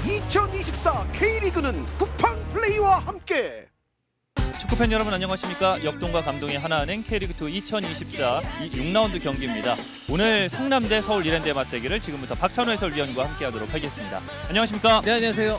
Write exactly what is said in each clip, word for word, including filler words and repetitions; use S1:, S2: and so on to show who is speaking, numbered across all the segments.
S1: 이천이십사 K리그는 쿠팡 플레이와 함께.
S2: 축구팬 여러분 안녕하십니까? 역동과 감동의 하나은행 K리그투 이천이십사 이 육 라운드 경기입니다. 오늘 성남대 서울 이랜드의 맞대결을 지금부터 박찬호 해설위원과 함께하도록 하겠습니다. 안녕하십니까?
S3: 네, 안녕하세요.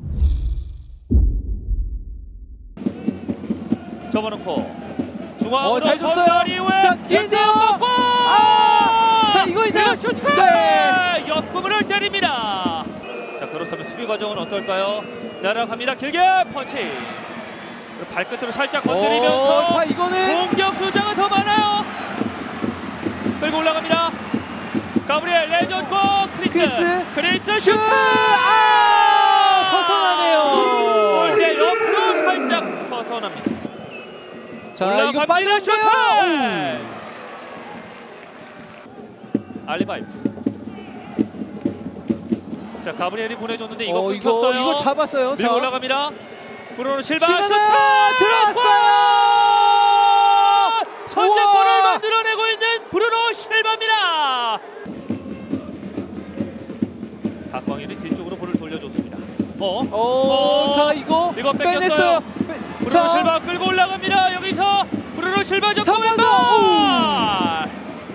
S2: 접어놓고 중앙으로
S3: 어, 잘 줬어요.
S2: 전달 이후에
S3: 자, 기회인데요.
S2: 골!
S3: 아! 자, 이거 있나요?
S2: 슈트!
S3: 네.
S2: 옆구멍을 때립니다. 자, 그렇다면 수비 과정은 어떨까요? 날아갑니다. 길게 펀치. 발끝으로 살짝 건드리면서
S3: 어, 자, 이거는
S2: 공격 수장은 더 많아요. 끌고 올라갑니다. 가브리엘 레전드 크리스
S3: 크리스.
S2: 크리스
S3: 슛!
S2: 슈트!
S3: 아! 벗어나네요.
S2: 골대 옆으로 살짝 벗어납니다.
S3: 자, 이거
S2: 올라갑니다.
S3: 빠졌어요.
S2: 슈트! 알리바이프. 자, 가브리엘이 보내줬는데 이거
S3: 어,
S2: 끊겼어요.
S3: 이거 이거 잡았어요.
S2: 밀고
S3: 자.
S2: 올라갑니다. 브루노 실바
S3: 실바가
S2: 슈트!
S3: 들어왔어요.
S2: 선제골을
S3: 우와.
S2: 만들어내고 있는 브루노 실바입니다. 박광일이 뒤쪽으로 볼을 돌려줬습니다. 어?
S3: 어,
S2: 어.
S3: 자, 이거
S2: 이거
S3: 빼냈어요.
S2: 뺏겼어요.
S3: 빼-
S2: 브루노
S3: 자,
S2: 실바 끌고 올라갑니다. 여기서 브루노 실바 접고
S3: 잡아가.
S2: 왼발.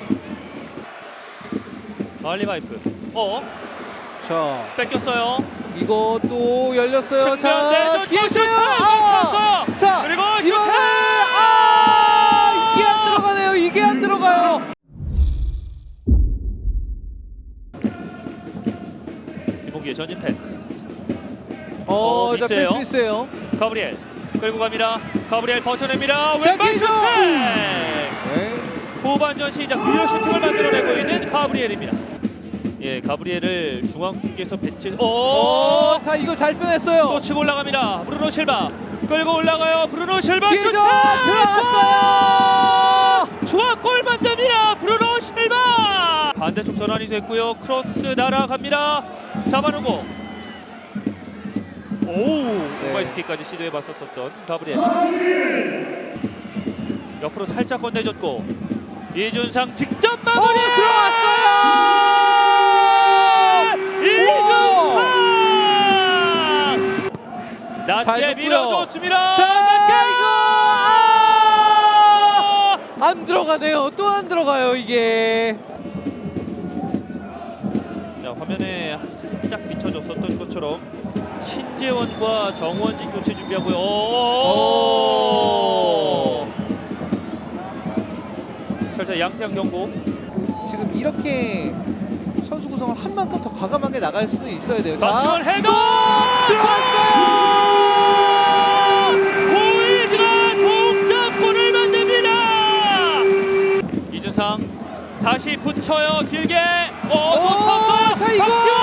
S2: 알리바이프. 어?
S3: 자,
S2: 뺏겼어요.
S3: 이거 또 열렸어요.
S2: 측면
S3: 자,
S2: 내줬고 슈트!
S3: 기회세요.
S2: 멈췄어요.
S3: 자,
S2: 그리고 슈트!
S3: 이번에 아! 이게 안 들어가네요. 이게 안 들어가요.
S2: 김홍기의 전진 패스.
S3: 어,
S2: 어,
S3: 자,
S2: 미스예요.
S3: 패스 미스예요.
S2: 가브리엘 끌고 갑니다. 가브리엘 버텨냅니다.
S3: 자,
S2: 왼발
S3: 기회죠.
S2: 슈팅!
S3: 네.
S2: 후반전 시작 뷰어 슈팅을 만들어내고 있는 가브리엘입니다. 예, 가브리엘을 중앙 쪽에서 배치. 오!
S3: 어, 자, 이거 잘 빼냈어요.
S2: 또 치고 올라갑니다. 브루노 실바 끌고 올라가요. 브루노 실바
S3: 기회죠.
S2: 슈팅!
S3: 들어갔어요.
S2: 중앙골 만듭니다. 브루노 실바. 반대쪽 전환이 됐고요. 크로스 날아갑니다. 잡아놓고. 오!
S3: 네.
S2: 오바이트킥까지 시도해봤었던 가브리엘. 옆으로 살짝 건네줬고 이준상 직접 마무리.
S3: 어, 들어갔어요.
S2: 이준상 낮게
S3: 잘 줬고요.
S2: 밀어줬습니다.
S3: 자,
S2: 낮게
S3: 이거 아! 안 들어가네요. 또 안 들어가요, 이게.
S2: 자, 화면에 살짝 비춰줬었던 것처럼 신재원과 정원진 교체 준비하고요. 오! 살짝 양태형 경고.
S3: 지금 이렇게 선수 구성을 한 만큼 더 과감하게 나갈 수는 있어야 돼요.
S2: 박지원
S3: 자,
S2: 헤더
S3: 들어왔어요.
S2: 보이즈가 동점골을 만듭니다. 이준상 다시 붙여요. 길게. 어,
S3: 오,
S2: 놓쳤어요.
S3: 자, 이거
S2: 박지원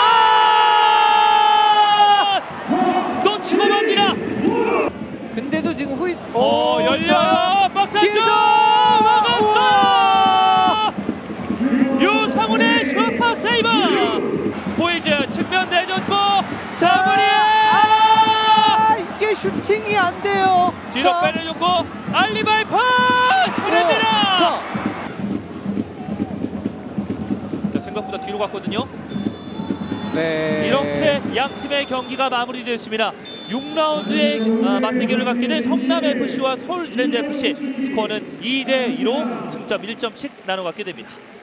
S2: 아! 놓치고 맙니다.
S3: 근데도 지금 후이
S2: 어, 열려요. 박스 안쪽
S3: 기회죠.
S2: 막았어. 유상훈의 슈퍼 세이브. 보이즈 측면 내줬고 자브리엘
S3: 아, 이게 슈팅이 안 돼요.
S2: 뒤로
S3: 자,
S2: 빼내줬고 알리바이프 쳐냅니다.
S3: 자,
S2: 자, 생각보다 뒤로 갔거든요.
S3: 네.
S2: 이렇게 양 팀의 경기가 마무리되었습니다. 육 라운드의 아, 맞대결을 갖게 된 성남에프씨와 서울 이랜드에프씨 스코어는 이 대 이로 승점 일 점씩 나눠 갖게 됩니다.